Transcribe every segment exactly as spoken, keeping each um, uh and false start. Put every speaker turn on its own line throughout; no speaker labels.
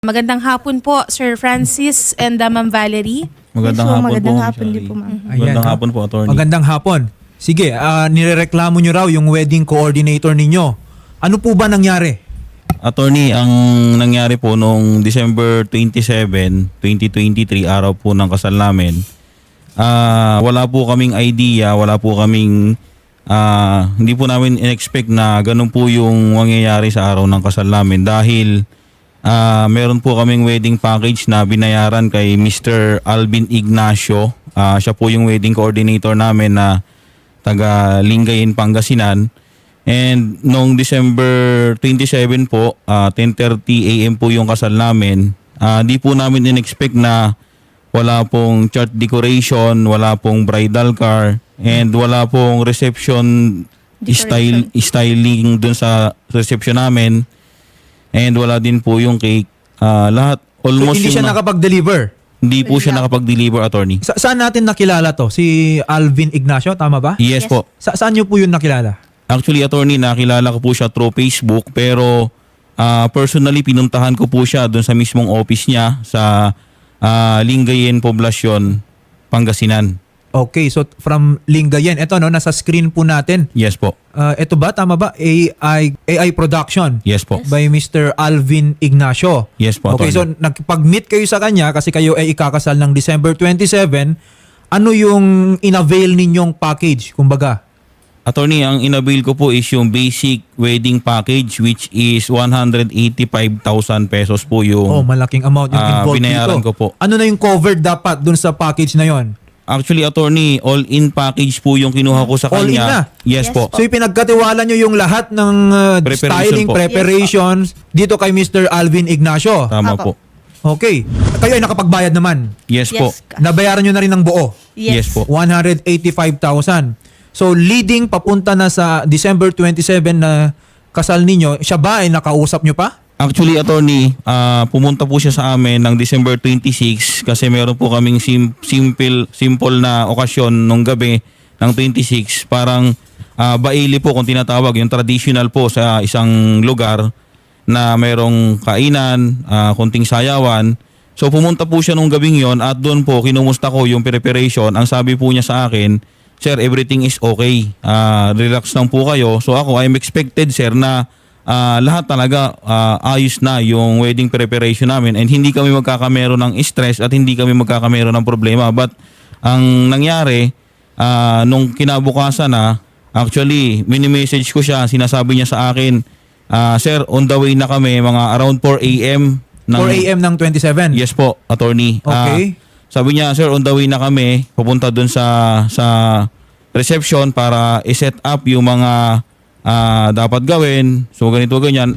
Magandang hapon po, Sir Francis and uh, Ma'am Valerie.
Magandang
Yes, so,
hapon
magandang
po.
hapon
Shari.
din po, ma'am.
Magandang
Ayan,
hapon po, attorney.
Magandang hapon. Sige, ah, nirereklamo nyo raw yung wedding coordinator ninyo. Ano po ba nangyari?
Attorney, ang nangyari po noong December twenty-seven, twenty twenty-three, araw po ng kasal namin, ah, wala po kaming idea, wala po kaming, ah, hindi po namin in-expect na ganun po yung mangyayari sa araw ng kasal namin dahil ah, meron po kaming wedding package na binayaran kay Mister Alvin Ignacio. Ah, siya po yung wedding coordinator namin na taga Lingayen, Pangasinan. And noong December twenty-seven po, uh, ten thirty a m po yung kasal namin. Uh, di po namin in-expect na wala pong church decoration, wala pong bridal car, and wala pong reception style, styling dun sa reception namin. And wala din po yung cake. Uh, lahat,
So,
almost
hindi siya
yung na-
nakapag-deliver.
hindi po siya nakapag-deliver, attorney.
Sa saan natin nakilala to? Si Alvin Ignacio, tama ba?
Yes, po.
Sa saan nyo po yun nakilala?
Actually, attorney, nakilala ko po siya through Facebook, pero ah, personally pinuntahan ko po siya doon sa mismong office niya sa ah, Lingayen, Poblacion, Pangasinan.
Okay, so from Lingayen. Ito no, nasa screen po natin.
Yes po.
Ah, ito ba, tama ba? A I, A I production
Yes po.
by Mister Alvin Ignacio.
Yes po,
Okay, so
attorney.
nagpag-meet kayo sa kanya kasi kayo ay ikakasal ng December twenty-seven. Ano yung inavail ninyong package, kumbaga?
Attorney, ang inabil ko po is yung basic wedding package which is one hundred eighty-five thousand pesos po yung...
Oh, malaking amount yung
ah,
involved
binayaran
dito.
ko po.
Ano na yung covered dapat dun sa package na yon?
Actually, attorney, all-in package po yung kinuha ko sa
All in
kanya.
na?
Yes,
Yes
po.
po.
So ipinagkatiwala nyo yung lahat ng uh,
Preparation
styling,
po.
preparations dito kay Mister Alvin Ignacio.
Tama
Apo.
po.
Okay. Kayo ay nakapagbayad naman.
Yes, po.
Yes.
Nabayaran nyo na rin ng buo.
Yes po.
one hundred eighty-five thousand. So leading papunta na sa December twenty-seven na kasal ninyo, siya ba ay nakausap nyo pa?
Actually, attorney, ah, pumunta po siya sa amin ng December twenty-six kasi meron po kaming sim- simple simple na okasyon nung gabi ng twenty-six. Parang ah, baili po kung tinatawag, yung traditional po sa isang lugar na merong kainan, ah, konting sayawan. So pumunta po siya nung gabing yon at doon po kinumusta ko yung preparation. Ang sabi po niya sa akin, "Sir, everything is okay. Ah, relax lang po kayo." So ako, I'm expected, sir, na Ah, lahat talaga ah, ayos na yung wedding preparation namin and hindi kami magkakamero ng stress at hindi kami magkakamero ng problema. But ang nangyari, ah, nung kinabukasan na, actually, mini-message ko siya, sinasabi niya sa akin, ah, "Sir, on the way na kami, mga around four a m
four a m ng twenty-seven?
Yes po, attorney. Ah,
Okay.
sabi niya, "Sir, on the way na kami, pupunta dun sa sa reception para i-set up yung mga ah, dapat gawin." So ganito ganyan.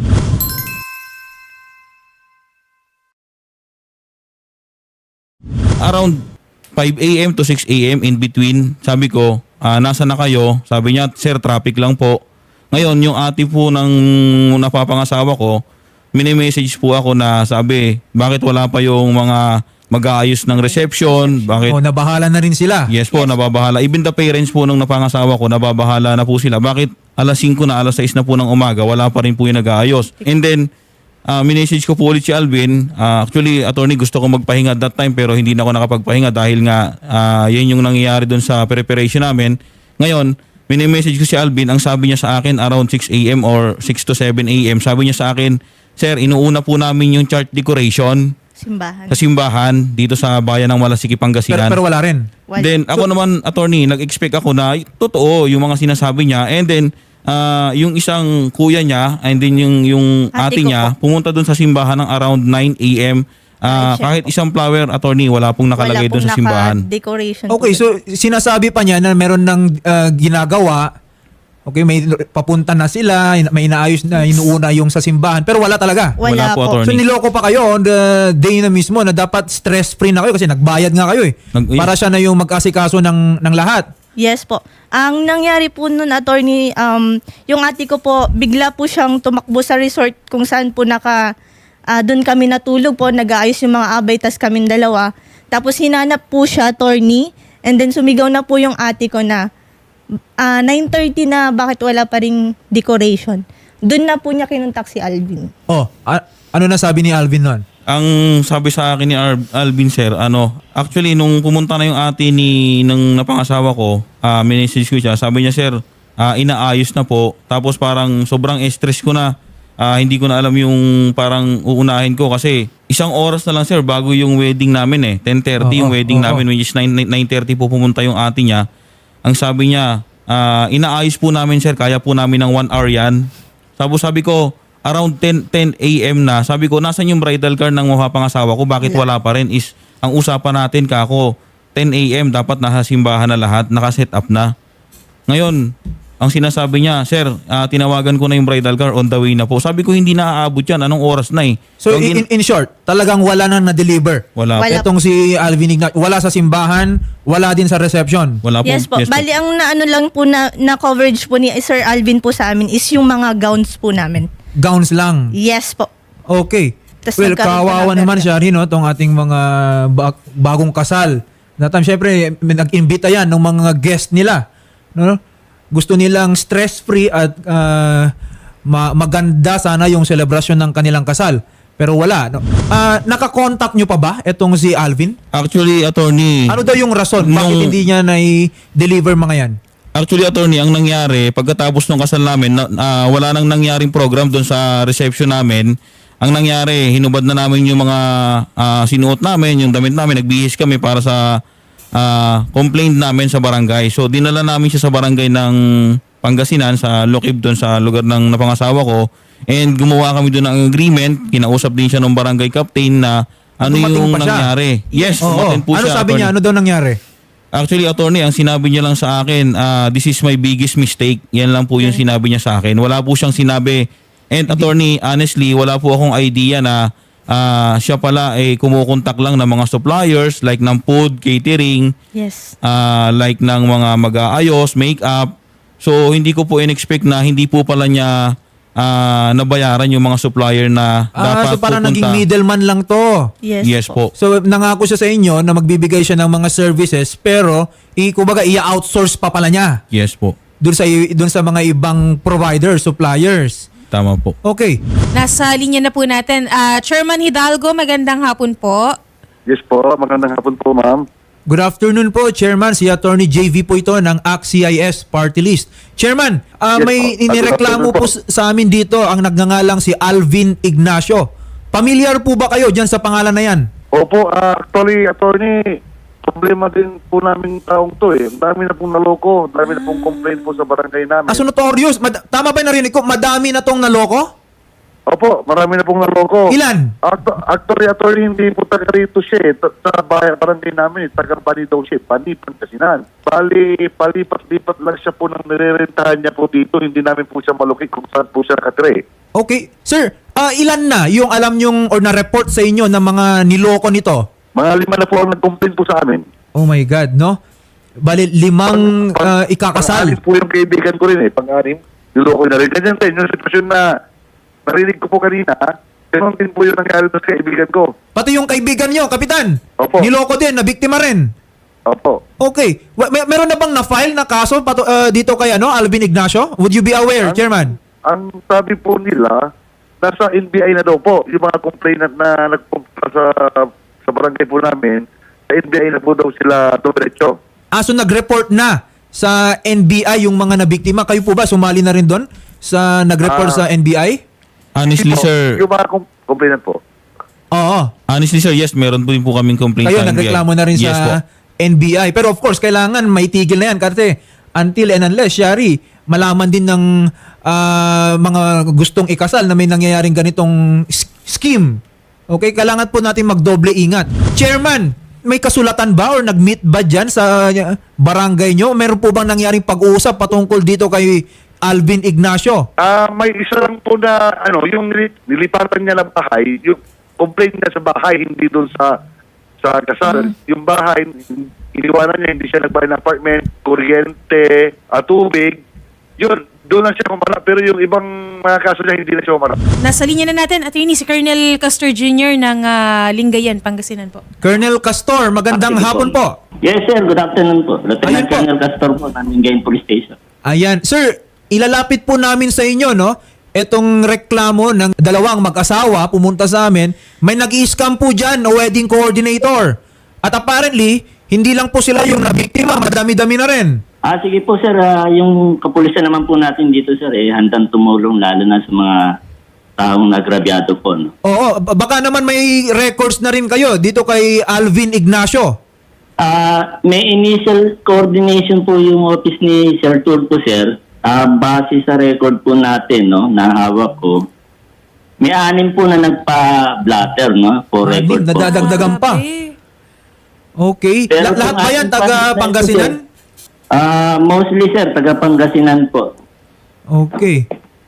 Around five a m to six a m in between, sabi ko, ah, "Nasa na kayo?" Sabi niya, "Sir, traffic lang po." Ngayon, yung ate po ng napapangasawa ko, mini-message po ako na sabi, "Bakit wala pa yung mga mag-aayos ng reception? Bakit?"
O nabahala na rin sila.
Yes po, nababahala. Even the parents po ng napangasawa ko, nababahala na po sila. Bakit alas singko na, alas sais na po ng umaga, wala pa rin po yung nag-aayos. And then, uh, minessage ko po ulit si Alvin. Uh, actually, attorney, gusto ko magpahinga that time pero hindi na ako nakapagpahinga dahil nga uh, yan yung nangyayari dun sa preparation namin. Ngayon, mini-message ko si Alvin. Ang sabi niya sa akin around six a m or six to seven a m, sabi niya sa akin, "Sir, inuuna po namin yung church decoration
Simbahan.
sa simbahan dito sa bayan ng Malasiki,
Pero,
Pangasinan."
pero wala rin.
Wala.
Then ako naman, attorney, nag-expect ako na totoo yung mga sinasabi niya. And then ah, yung isang kuya niya and then yung yung ate,
Ate ko
niya pumunta doon sa simbahan ng around nine a m Ah,
Right, sir.
kahit isang flower, attorney, wala pong nakalagay doon sa simbahan.
Decoration.
Okay, so sinasabi pa niya na meron ng uh, ginagawa. Okay, may papunta na sila, may inaayos na, inuuna yung sa simbahan. Pero wala talaga.
Wala
Wala,
po,
po.
attorney.
So niloko pa kayo on the day na mismo na dapat stress-free na kayo kasi nagbayad nga kayo eh.
Nag-
Para siya na yung mag-asikaso ng, ng lahat.
Yes po. Ang nangyari po nun, attorney, um, yung ate ko po, bigla po siyang tumakbo sa resort kung saan po naka, ah, doon kami natulog po, nag-aayos yung mga abay, tas kaming dalawa. Tapos hinanap po siya, attorney, and then sumigaw na po yung ate ko na, ah, nine thirty na, bakit wala pa ring decoration? Doon na po niya kinuntak si Alvin.
Oh, a- ano na sabi ni Alvin nun?
Ang sabi sa akin ni Ar- Alvin sir, ano, actually nung pumunta na yung ate ni ng napangasawa ko, ah minessage ko siya. Sabi niya, sir, ah, inaayos na po. Tapos parang sobrang stress ko na. Ah, hindi ko na alam yung parang uunahin ko kasi isang oras na lang sir bago yung wedding namin eh. ten thirty yung
Oo,
wedding
oo.
namin, which is nine thirty po pumunta yung ate niya. Ang sabi niya, ah, inaayos po namin sir, kaya po namin ng one hour yan. Tapos sabi ko, around ten a.m. na, sabi ko, nasan yung bridal car ng mapapangasawa ko? Bakit wala pa rin? Is, ang usapan natin, kako, ten a.m. dapat nasa simbahan na lahat, nakaset up na. Ngayon, ang sinasabi niya, sir, ah, tinawagan ko na yung bridal car, on the way na po. Sabi ko, hindi na aabot yan. Anong oras na eh?
So
ang
in,
gin-
in short, talagang wala nang na-deliver.
wala,
Wala.
po.
Etong si Alvin Ignacio, wala sa simbahan, wala din sa reception.
Wala po.
Yes po. Bali, ang naano lang po na, na coverage po ni Sir Alvin po sa amin is yung mga gowns po namin.
Gowns lang.
Yes po.
Okay.
Tas
Well,
nagkaroon
kawawa
pa ng
naman
perda.
siya rin, no, tong ating mga ba- bagong kasal. That time, syempre, may nag-imbita yan ng mga guest nila. No? Gusto nilang stress-free at ah, ma- maganda sana yung celebration ng kanilang kasal. Pero wala. No? Ah, nakakontakt nyo pa ba itong si Alvin?
Actually, attorney,
Ano daw yung rason? Bakit
Nung-
hindi niya na-deliver mga yan?
Actually, attorney, ang nangyari, pagkatapos ng kasal namin, na, ah, wala nang nangyaring program doon sa reception namin. Ang nangyari, hinubad na namin yung mga ah, sinuot namin, yung damit namin, nagbihis kami para sa ah, complaint namin sa barangay. So, dinala namin siya sa barangay ng Pangasinan, sa Lokib doon sa lugar ng napangasawa ko. And gumawa kami doon ng agreement, kinausap din siya ng barangay captain na ano
Dumating
yung
pa siya?
nangyari. Yes,
Oo.
dumating po
Ano
siya,
sabi niya?
attorney.
Ano daw nangyari?
Actually, attorney, ang sinabi niya lang sa akin, ah, this is my biggest mistake. Yan lang po yung sinabi niya sa akin. Wala po siyang sinabi. And attorney, honestly, wala po akong idea na ah, siya pala ay kumukontak lang ng mga suppliers like ng food, catering,
Yes.
ah, like ng mga mag-aayos, make-up. So, hindi ko po in-expect na hindi po pala niya ah, nabayaran yung mga supplier na
Ah,
dapat
so parang
pupunta.
naging middleman lang to.
Yes,
Yes po.
So nangako siya sa inyo na magbibigay siya ng mga services pero i kumbaga i-outsource pa pala niya
Yes po.
doon sa doon sa mga ibang providers, suppliers.
Tama po.
Okay.
Nasa linya na po natin. Ah, Chairman Hidalgo, magandang hapon po.
Yes po, magandang hapon po ma'am.
Good afternoon po, Chairman. Si Attorney J V po ito ng A C C I S Party List. Chairman, ah,
Yes
may
po.
inireklamo
Good
po
afternoon
sa amin dito ang nagngangalang si Alvin Ignacio. Pamilyar po ba kayo dyan sa pangalan na yan?
Opo, ah, actually, attorney, problema din po namin taong to eh. Ang dami na pong naloko, ang dami na pong complaint po sa barangay namin.
Ah, so notorious. Mad- tama ba yung narinig ko? Madami na tong naloko?
Opo, marami na pong naloko.
Ilan?
Actu- Actually, attorney, hindi po taga rito siya eh. Ta- Sa bahay, barangay namin, eh, taga Bani daw siya, Bani, Pangasinan. Bali, palipat-lipat lang siya po nang nirerentahan niya po dito. Hindi namin po siya malukit kung saan po siya nakatire.
Okay. Sir, ah, ilan na yung alam yung or na-report sa inyo ng mga niloko nito?
Mga lima na po ang nag-complaint po sa amin.
Oh my God, no? Bali, limang ah, ikakasal.
Pang-anim po yung kaibigan ko rin eh. Pang-anim. Niloko na rin. Ganyan din yung sitwasyon na narinig ko po kanina. Ganun din po yung nangyari sa kaibigan ko.
Pati yung kaibigan nyo, Kapitan.
Opo.
Niloko din, na biktima rin.
Opo.
Okay. Wa- May, meron na bang na-file na kaso pato, ah, dito kay ano, Alvin Ignacio? Would you be aware,
Ang-
Chairman?
Ang sabi po nila, nasa N B I na daw po. Yung mga complainant na nagpunta sa, sa barangay po namin, sa N B I na po daw sila dumiretso.
Ah, so nag-report na sa N B I yung mga nabiktima. Kayo po ba sumali na rin doon sa nag-report
Ah.
sa N B I?
Honestly,
Po,
sir,
Yung mga com- complainant po.
Oo.
honestly, sir, yes, meron po din po kaming complaint
Kayo
sa N B I.
nagreklamo na rin
Yes po.
sa N B I. Pero of course, kailangan maitigil na yan kasi until and unless, Shari, malaman din ng ah, mga gustong ikasal na may nangyayaring ganitong s- scheme. Okay, kailangan po natin magdoble ingat. Chairman, may kasulatan ba or nag-meet ba dyan sa uh, barangay nyo? Meron po bang nangyaring pag-uusap patungkol dito kay Alvin Ignacio?
Ah, may isa lang po na ano, yung nili- nilipatan niya ng bahay, yung complaint niya sa bahay hindi doon sa sa kasal. Yung bahay iniwanan niya, hindi siya nagbayad ng apartment, kuryente, at tubig. Yun, doon lang siya kumarap. Pero yung ibang mga kaso niya, hindi na siya kumarap.
Nasa linya na natin, Attorney, si Colonel Castor Junior ng ah, Lingayen, Pangasinan po.
Colonel Castor, magandang
Sige
hapon po.
Yes, sir. Good afternoon po.
Ayun
Lieutenant
po.
Colonel Castor po ng Lingayen Police Station.
Ayan. Sir, ilalapit po namin sa inyo, no? etong reklamo ng dalawang mag-asawa pumunta sa amin, may nag-i-scam po dyan na wedding coordinator. At apparently, hindi lang po sila yung nabiktima, madami-dami na rin.
Ah, sige po sir, Ah, yung kapulisan naman po natin dito sir, eh, handang tumulong lalo na sa mga taong nagrabyado po. No?
Oo, b- baka naman may records na rin kayo dito kay Alvin Ignacio.
Ah, may initial coordination po yung office ni Sir Turco sir. Ah, base sa record po natin, no, na hawak ko. May anim po na nagpa-blatter, no, for
Anim,
record po.
nadadagdagan pa.
Grabe.
Okay.
Pero
La- lahat
kung
ba yan
ating
taga
pangalan po,
Pangasinan?
sir, Ah, mostly sir, taga Pangasinan po.
Okay.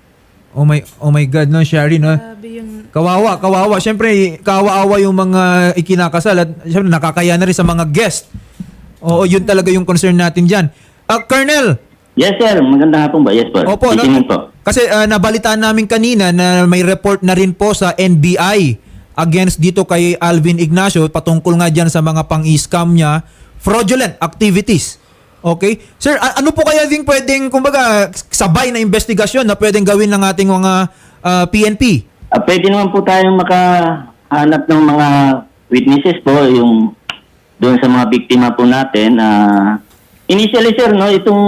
Oh my oh my God, no, Shari, no.
Grabe yung...
Kawawa, kawawa. Siyempre, kawawa yung mga ikinakasal at siyempre nakakaya na rin sa mga guest. Oo, yun talaga yung concern natin dyan. Ah, Colonel,
Yes sir, maganda hapon ba? Yes po.
opo, no,
Titingin po.
kasi ah, nabalitaan namin kanina na may report na rin po sa N B I against dito kay Alvin Ignacio patungkol nga dyan sa mga pang-scam niya, fraudulent activities. Okay? Sir, a- ano po kaya din pwedeng, kumbaga, sabay na investigasyon na pwedeng gawin ng ating mga ah, P N P?
Ah, pwede naman po tayong makahanap ng mga witnesses po, yung doon sa mga biktima po natin. Ah, initially sir, no, itong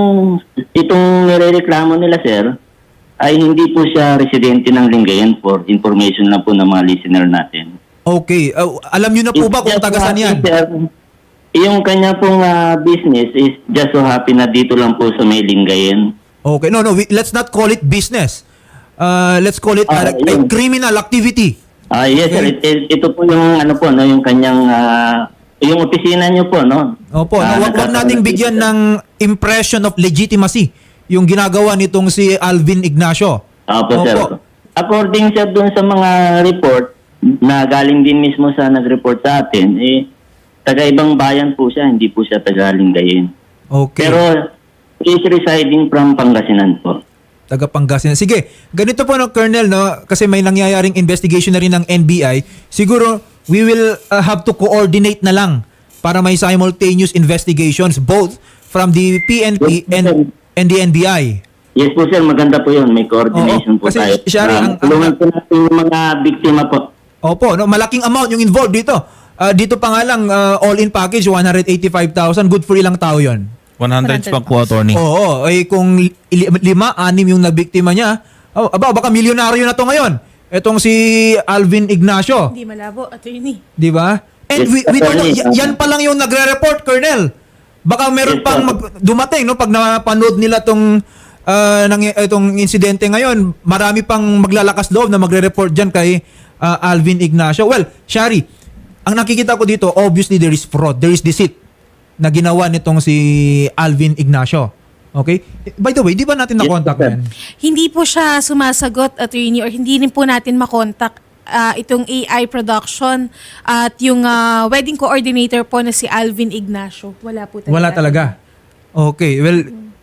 itong nirereklamo nila sir ay hindi po siya residente ng Lingayen, for information lang po ng mga listener natin.
Okay. Ah, alam nyo na po ba kung
It's just
taga saan
so
yan?
happy, sir, yung kanya pong ah, business is just so happy na dito lang po sa may Lingayen.
Okay. No, no. we- let's not call it business. Uh, let's call it
Ah,
a, a
yun.
criminal activity.
Ah, yes sir,
Okay.
It- it- ito po yung ano po, no, yung kanyang ah, yung opisina niyo po, no.
Opo,
Ah,
no, wag, wag nating
nagkakaroon
bigyan
dito, sir.
ng impression of legitimacy yung ginagawa nitong si Alvin Ignacio.
Opo, sir. According sir dun sa mga report na galing din mismo sa nag-report sa atin, eh, taga-ibang bayan po siya, hindi po siya taga-Lingayen.
Okay.
Pero, is residing from Pangasinan po.
Taga Pangasinan. Sige, ganito po no, Colonel, no, kasi may nangyayaring investigation na rin ng N B I. Siguro, we will uh, have to coordinate na lang para may simultaneous investigations both from the P N P
Yes, sir.
and, and the N B I.
Yes po sir, maganda po yun. May coordination
Oo,
po
kasi,
tayo.
Shari,
Ah,
ang- ang-
tulungan po natin yung mga biktima po.
Opo, no, malaking amount yung involved dito. Ah, dito pa nga lang, ah, all-in package, one hundred eighty-five thousand. Good for ilang tao yun?
one hundred pa po, attorney.
Oo, eh kung li- lima, anim yung nabiktima niya, oh, aba, baka milyonaryo na to ngayon. Etong si Alvin Ignacio,
Hindi malabo, attorney.
di ba? And
Yes,
we, we don't know,
attorney.
y- yan pa lang yung nagre-report, Colonel. Baka meron
Yes,
pang
sir.
mag- dumating, no? Pag napanood nila tong, ah, nang, itong insidente ngayon, marami pang maglalakas loob na magre-report dyan kay ah, Alvin Ignacio. Well, Shari, ang nakikita ko dito, obviously there is fraud, there is deceit na ginawa nitong si Alvin Ignacio. Okay? By the way, di ba natin na-contact
sir.
yan?
Hindi po siya sumasagot, attorney, or hindi rin po natin makontak ah, itong A I production at yung ah, wedding coordinator po na si Alvin Ignacio. Wala po talaga.
Wala talaga. Okay, well,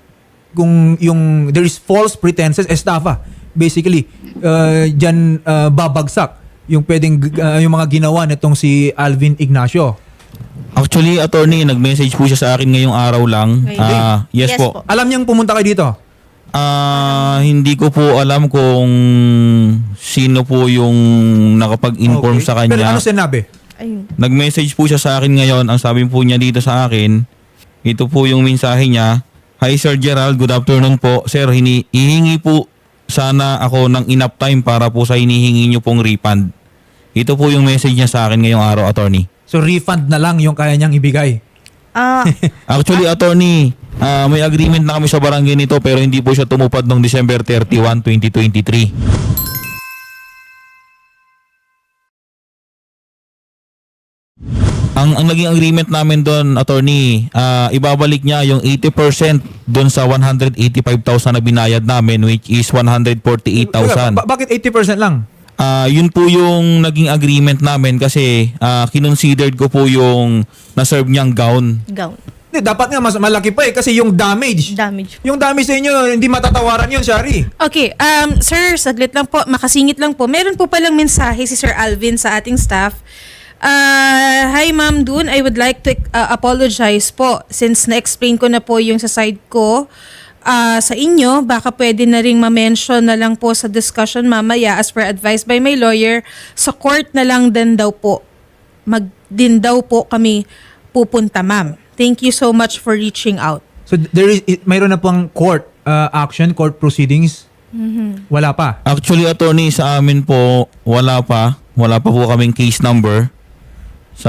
kung yung there is false pretenses, estafa, basically, uh, dyan uh, babagsak yung pwedeng uh, yung mga ginawa nitong si Alvin Ignacio.
Actually, attorney, nag-message po siya sa akin ngayong araw lang.
Ngayon.
Ah, yes,
Yes
po.
po.
Alam niyang pumunta kayo dito?
Ah, hindi ko po alam kung sino po yung nakapag-inform
Okay.
sa
Pero
kanya.
ano sinabi?
Ayun.
Nag-message po siya sa akin ngayon. Ang sabi po niya dito sa akin, ito po yung mensahe niya. Hi Sir Gerald, good afternoon po. Sir, hini hihingi po sana ako ng enough time para po sa hinihingi niyo pong refund. Ito po yung message niya sa akin ngayong araw, attorney.
So refund na lang yung kaya niyang ibigay.
Ah,
Actually, attorney, ah, may agreement na kami sa barangay nito pero hindi po siya tumupad noong December thirty-first, twenty twenty-three. Ang, ang naging agreement namin doon, attorney, ah, ibabalik niya yung eighty percent doon sa one hundred eighty-five thousand na binayad namin, which is one hundred forty-eight thousand.
Ba- bakit eighty percent lang?
Ah, yun po yung naging agreement namin kasi ah, kinonsidered ko po yung na-serve niyang gown.
gown.
Hindi, dapat nga mas malaki pa eh kasi yung damage.
Damage.
Yung damage sa inyo, hindi matatawaran yun, Shari.
Okay, um, sir, saglit lang po, makasingit lang po. Meron po palang mensahe si Sir Alvin sa ating staff. Uh, hi Ma'am Dun, I would like to uh, apologize po since na-explain ko na po yung sa side ko. ah, sa inyo, baka pwede na ring ma-mention na lang po sa discussion mamaya as per advice by my lawyer, sa court na lang din daw po. Mag din daw po kami pupunta, ma'am. Thank you so much for reaching out.
So there is i- mayroon na pang court uh, action, court proceedings? Wala pa.
Actually, attorney, sa amin po, wala pa. Wala pa po kaming case number sa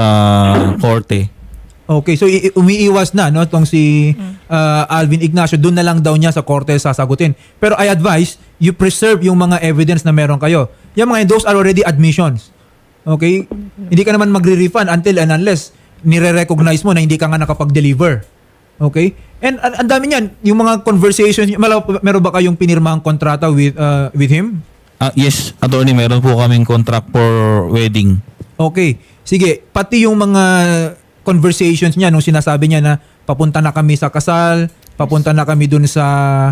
korte.
Okay, so i- umiiwas na no tong si uh, Alvin Ignacio, doon na lang daw niya sa korte sasagutin. Pero I advise you preserve yung mga evidence na meron kayo. Yung mga those are already admissions. Okay? Hindi ka naman magre-refund until and unless nire-recognize mo na hindi ka nga nakapag-deliver. Okay? And an- ang dami niyan, yung mga conversations, malo- meron ba kayong pinirmahang kontrata with uh, with him?
Ah, yes, attorney, meron po kaming contract for wedding.
Okay. Sige, pati yung mga conversations niya nung sinasabi niya na papunta na kami sa kasal, papunta na kami dun sa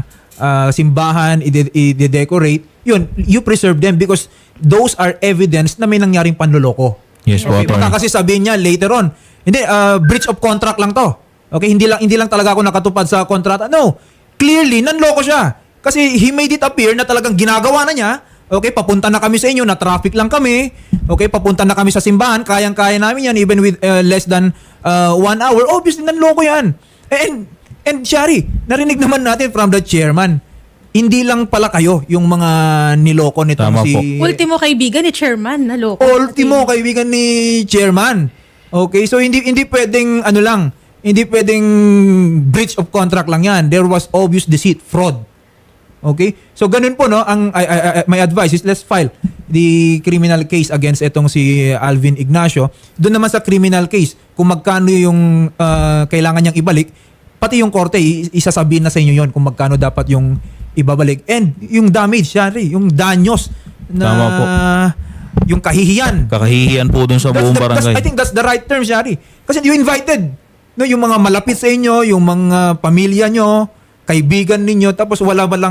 ah, simbahan, ide- i-decorate, yun, you preserve them because those are evidence na may nangyaring panloloko.
Yes po,
Okay, baka
attorney.
kasi sabihin niya later on, hindi, ah, breach of contract lang to. Okay, hindi lang hindi lang talaga ako nakatupad sa kontrata. No, clearly, nanloko siya. Kasi he made it appear na talagang ginagawa na niya. Okay, papunta na kami sa inyo, na traffic lang kami. Okay, papunta na kami sa simbahan, kayang-kaya namin yan even with uh, less than uh, one hour. Obviously, nanloko yan. And, and Shari, narinig naman natin from the chairman, hindi lang pala kayo yung mga niloko nitong
Tama
si...
po.
Ultimo kaibigan ni chairman, naloko.
Ultimo kaibigan ni chairman. Okay, so hindi hindi pwedeng ano lang, hindi pwedeng breach of contract lang yan. There was obvious deceit, fraud. Okay? So ganun po no, ang I, I, I- my advice is let's file the criminal case against etong si Alvin Ignacio. Doon naman sa criminal case, kung magkano yung uh, kailangan niyang ibalik, pati yung korte i- isasabihin na sa inyo yon kung magkano dapat yung ibabalik. And yung damage, syari, yung danyos na
Tama po.
yung kahihiyan.
Kakahihiyan po dun sa
That's
buong
the- that's-
barangay.
I think that's the right term, Shari. Kasi you invited no, yung mga malapit sa inyo, yung mga pamilya nyo, kaibigan ninyo, tapos wala ba lang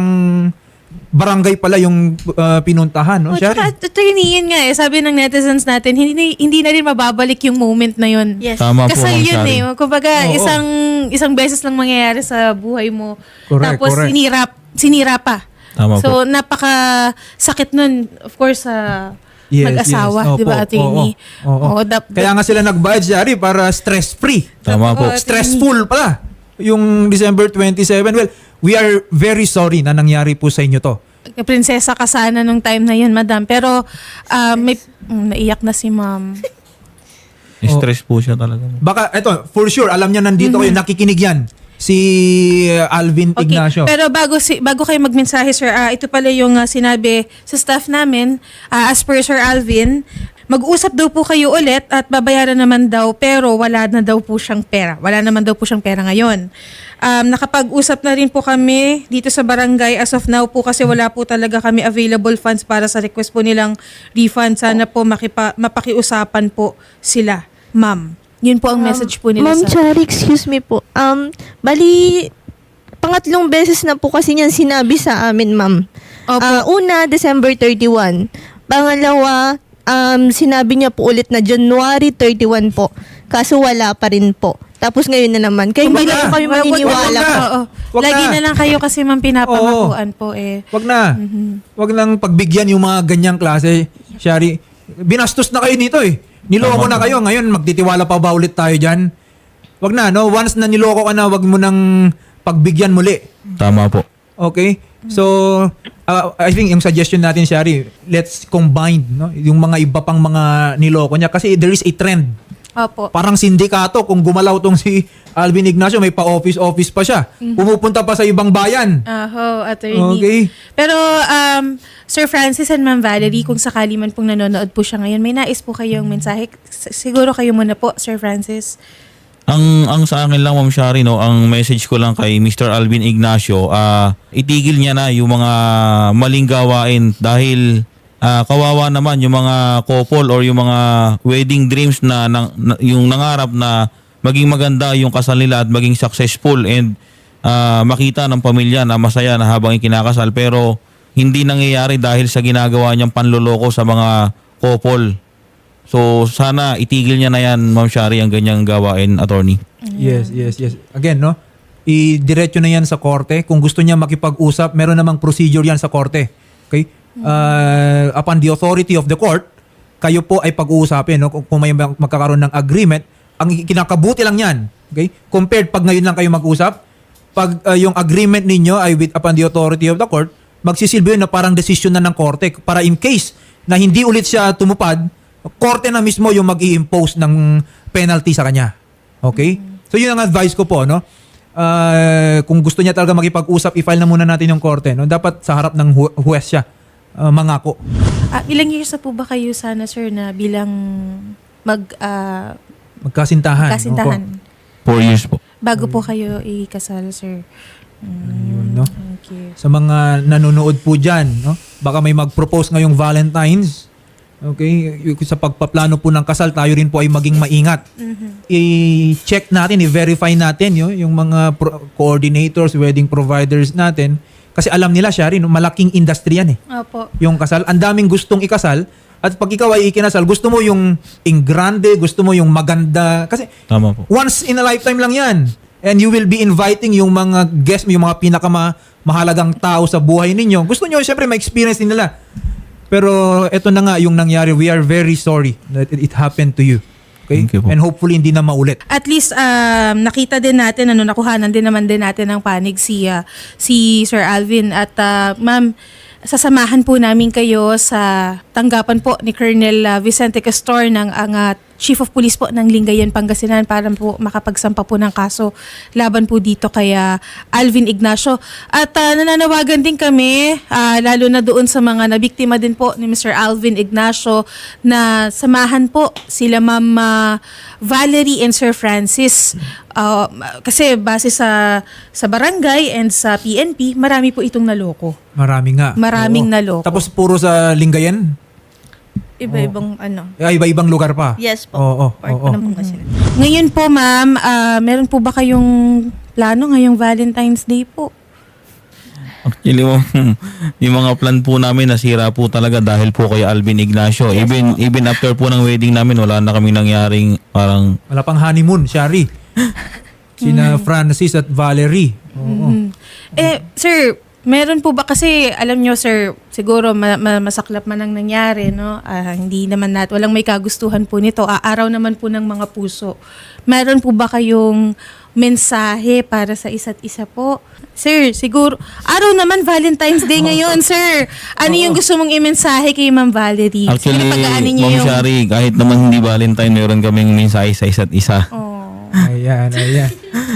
barangay pala yung uh, pinuntahan, no,
Oh, tsaka,
Shari?
ito yun yun nga eh. Sabi ng netizens natin, hindi, na- hindi na rin mababalik yung moment na yun.
Yes.
Tama po,
Kasal
Ma'am
yun
Shari.
eh. Kumbaga,
Oo.
isang isang beses lang mangyayari sa buhay mo.
Correct,
Tapos
correct.
sinira, sinira pa.
Tama
so, napaka sakit nun, of course, sa
Yes,
mag-asawa,
yes. Opo,
di ba, attorney?
oo, oo.
Oo, dap-
Kaya nga sila nagbayad, Shari, para stress-free.
Tama po.
Oo,
Stressful pala yung December twenty-seven. Well, we are very sorry na nangyari po sa inyo to.
prinsesa ka sana nung time na yun, madam. Pero, ah, may, mm, naiyak na si ma'am.
Stress po siya talaga.
Baka, eto, for sure, alam niya nandito kayo, nakikinig yan. Si uh, Alvin
Okay.
Ignacio.
Pero bago si bago kayo magmensahe, sir, ah, ito pala yung ah, sinabi sa staff namin, ah, as per Sir Alvin, mag-usap daw po kayo ulit at babayaran naman daw pero wala na daw po siyang pera. Wala naman daw po siyang pera ngayon. Um, nakapag-usap na rin po kami dito sa barangay as of now po kasi wala po talaga kami available funds para sa request po nilang refund. Sana po makipa, mapakiusapan po sila, ma'am. Yun po ang message po nila
Ma'am
sa...
Chari, excuse me po. Um, bali, pangatlong beses na po kasi niyan sinabi sa amin, ma'am.
Opo.
Ah, una, December thirty-one. Pangalawa, um, sinabi niya po ulit na January thirty-one po. Kaso wala pa rin po. Tapos ngayon na naman. Kaya hindi
Wag
na
na.
po kami
Wag- wag-
maniniwala
wag
po.
na.
Oo.
Wag
Lagi
na.
na lang kayo kasi ma'am pinapangakuan po eh.
Wag na.
Mhm.
Wag nang pagbigyan yung mga ganyang klase, Shari. Binastos na kayo nito eh. Niloko na kayo. Ngayon, magtitiwala pa ba ulit tayo dyan? Wag na, no? Once na niloko ka na, wag mo nang pagbigyan muli.
Tama po.
Okay? So, uh, I think yung suggestion natin, Shari, let's combine no? yung mga iba pang mga niloko niya. Kasi there is a trend.
Opo.
Parang sindikato, kung gumalaw tong si Alvin Ignacio, may pa-office-office pa siya. Pumupunta pa sa ibang bayan.
Aho, attorney.
Okay.
Pero, um, Sir Francis and Ma'am Valerie, kung sakali man pong nanonood po siya ngayon, may nais po kayong mensahe. S- Siguro kayo muna po, Sir Francis.
Ang ang sa akin lang, Ma'am Shari, no, ang message ko lang kay Mister Alvin Ignacio, ah itigil niya na yung mga maling gawain dahil ah, kawawa naman yung mga couple or yung mga wedding dreams na, na, na- yung nangarap na maging maganda yung kasal nila at maging successful and ah, makita ng pamilya na masaya na habang ikinakasal, pero hindi nangyayari dahil sa ginagawa niyang panloloko sa mga couple. So sana itigil niya na yan, Ma'am Shari, ang ganyang gawain, attorney.
Yes, yes, yes. Again, no? i-diretso na yan sa korte. Kung gusto niya makipag-usap, meron namang procedure yan sa korte. Okay? Uh, upon the authority of the court, kayo po ay pag-uusapin. No? Kung kung may mag- magkakaroon ng agreement, ang kinakabuti lang yan. Okay? Compared pag ngayon lang kayo mag-usap, pag uh, yung agreement ninyo ay with, upon the authority of the court, magsisilbi yun na parang decision na ng korte para in case na hindi ulit siya tumupad, korte na mismo yung mag-i-impose ng penalty sa kanya. Okay? So yun ang advice ko po, no? Uh, kung gusto niya talaga makipag-usap, i-file na muna natin yung korte, no? Dapat sa harap ng hu- huwes siya uh, mangako.
Ah, ilang years na po ba kayo sana, sir, na bilang mag ah,
Magkasintahan.
kasintahan?
Four years po.
Bago po kayo ikasal, sir.
Ayun, no?
Okay.
Sa mga nanonood po dyan, no? Baka may mag-propose ngayong Valentine's. Okay? Y- Sa pagpaplano po ng kasal, tayo rin po ay maging maingat. I-check natin, i-verify natin yo, yung mga pro- coordinators, wedding providers natin. Kasi alam nila siya rin, no? Malaking industry yan eh.
Opo.
Yung kasal. Ang daming gustong ikasal. At pag ikaw ay ikinasal, gusto mo yung in grande, gusto mo yung maganda. Kasi
Tama po.
once in a lifetime lang yan. And you will be inviting yung mga guests, yung mga pinakamahalagang tao sa buhay ninyo. Gusto nyo, syempre, ma-experience din nila. Pero ito na nga yung nangyari. We are very sorry that it, it happened to you. Okay?
Thank you po.
And hopefully, hindi na maulit.
At least um, nakita din natin, ano, nakuhanan din naman din natin ng panig si, ah, si Sir Alvin. At ah, ma'am, sasamahan po namin kayo sa tanggapan po ni Colonel ah, Vicente Castor ng ang ah, Chief of Police po ng Lingayen, Pangasinan para po makapagsampa po ng kaso laban po dito kay ah, Alvin Ignacio. At ah, nananawagan din kami, ah, lalo na doon sa mga nabiktima din po ni Mister Alvin Ignacio, na samahan po sila Ma'am ah, Valerie and Sir Francis. Ah, kasi base sa sa barangay and sa P N P, marami po itong naloko.
Marami nga.
Maraming
Oo.
naloko.
Tapos puro sa Lingayen?
Iba-ibang ano.
Ay, iba-ibang lugar pa?
Yes po.
Oo,
Part
oo,
po
oo.
ng Pangasinan.
Ngayon po, ma'am, ah, meron po ba kayong plano ngayong Valentine's Day po?
Actually, ma'am, yung mga plan po namin nasira po talaga dahil po kay Alvin Ignacio. Even even after po ng wedding namin, wala na kaming nangyaring parang
Wala pang honeymoon, Shari. Sina Francis at Valerie. Oo.
Mhm. Eh, sir, meron po ba kasi, alam nyo, sir, siguro ma- ma- masaklap man ang nangyari, no? Ah, hindi naman nat, walang may kagustuhan po nito. Aaraw naman po ng mga puso. Meron po ba kayong mensahe para sa isa't isa po? Sir, siguro, araw naman Valentine's Day ngayon, sir. Ano yung gusto mong i-mensahe kay Ma'am Valerie?
actually,
Siguro pagaanin niyo
Ma'am
yung-
Shari, kahit naman hindi Valentine, meron kaming mensahe sa isa't isa.
Oh.
Ayan, ayan.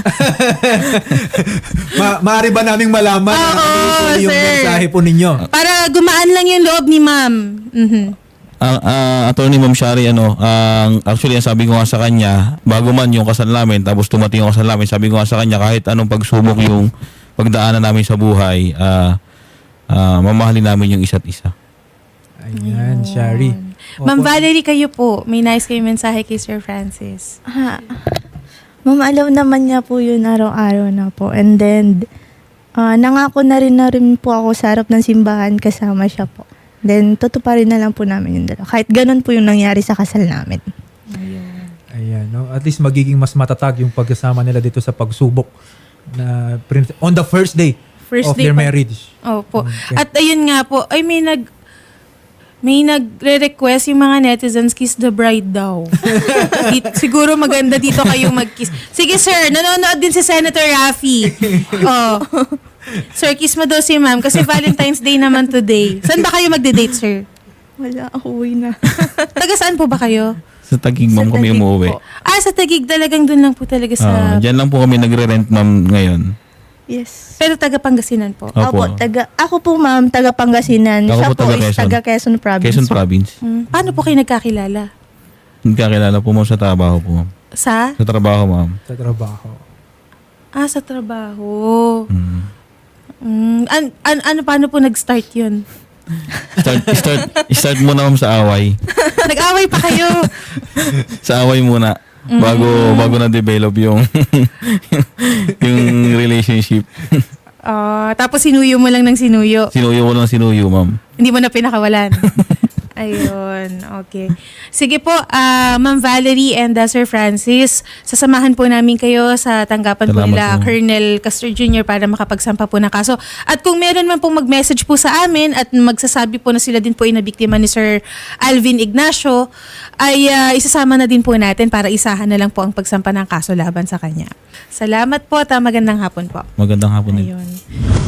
Ma maaari ba naming malaman
Oo,
ano po yung
sir.
mensahe po ninyo?
Para gumaan lang yung loob ni Ma'am. Mhm.
Ang uh, attorney Ma'am Shari, ano, ang actually ang sabi ko nga sa kanya, bago man yung kasal namin, tapos tumating yung kasal namin, sabi ko nga sa kanya, kahit anong pagsubok yung pagdaanan namin sa buhay, ah ah, mamahalin namin yung isa't isa.
Ayan, Shari.
Ma'am Valerie, kayo po, may nice kayo mensahe kay Sir Francis.
Ah, Ma'am, alam naman niya po yun araw-araw na po. And then, ah, nangako na rin na rin po ako sa harap ng simbahan kasama siya po. Then, tutuparin na lang po namin yung dalawa. Kahit ganun po yung nangyari sa kasal namin.
Ayan, no? At least magiging mas matatag yung pagkasama nila dito sa pagsubok na prin- on the first day
First
of
day
their
pa-
marriage.
Opo.
Okay.
At ayun nga po, ay may nag may nagre-request yung mga netizens, kiss the bride daw. Di- siguro maganda dito kayong mag-kiss. Sige sir, nanonood din si Senator Raffy. Oh. Sir, kiss mo daw si ma'am kasi Valentine's Day naman today. Saan ba kayo magde-date, sir?
Wala, uwi na.
Taga saan po ba kayo?
Sa Taguig, ma'am,
Sa
kami
Taguig
umuwi.
po.
Ah, sa Taguig talagang dun lang po talaga
Ah,
sa...
diyan lang po kami nagre-rent, ma'am, ngayon.
Yes.
Pero taga Pangasinan po.
Opo.
Opo, taga, ako po ma'am, taga Pangasinan.
Ako
Siya
po,
po,
taga
is
Quezon.
taga Quezon Province.
Quezon Province.
Hmm. Paano po kayo nagkakilala?
Nagkakilala po, ma'am, sa trabaho po, ma'am.
Sa?
Sa trabaho, ma'am.
Sa trabaho.
Ah, sa trabaho.
Mm.
Mm, an, an, ano, paano po nag-start yun?
Start, start, start muna, ma'am, sa away.
Nag-away pa kayo.
Sa away muna. Bago bago na-develop yung yung relationship.
Ah, tapos sinuyo mo lang ng sinuyo.
Sinuyo ko lang sinuyo, ma'am.
Hindi mo na pinakawalan. Ayun, okay. Sige po, ah, Ma'am Valerie and ah, Sir Francis, sasamahan po namin kayo sa tanggapan po
Salamat
nila
po.
Colonel Castro Junior para makapagsampa po ng kaso. At kung meron man pong mag-message po sa amin at magsasabi po na sila din po ay nabiktima ni Sir Alvin Ignacio, ay ah, isasama na din po natin para isahan na lang po ang pagsampa ng kaso laban sa kanya. Salamat po at ah, magandang hapon po.
Magandang hapon din.
Ayun.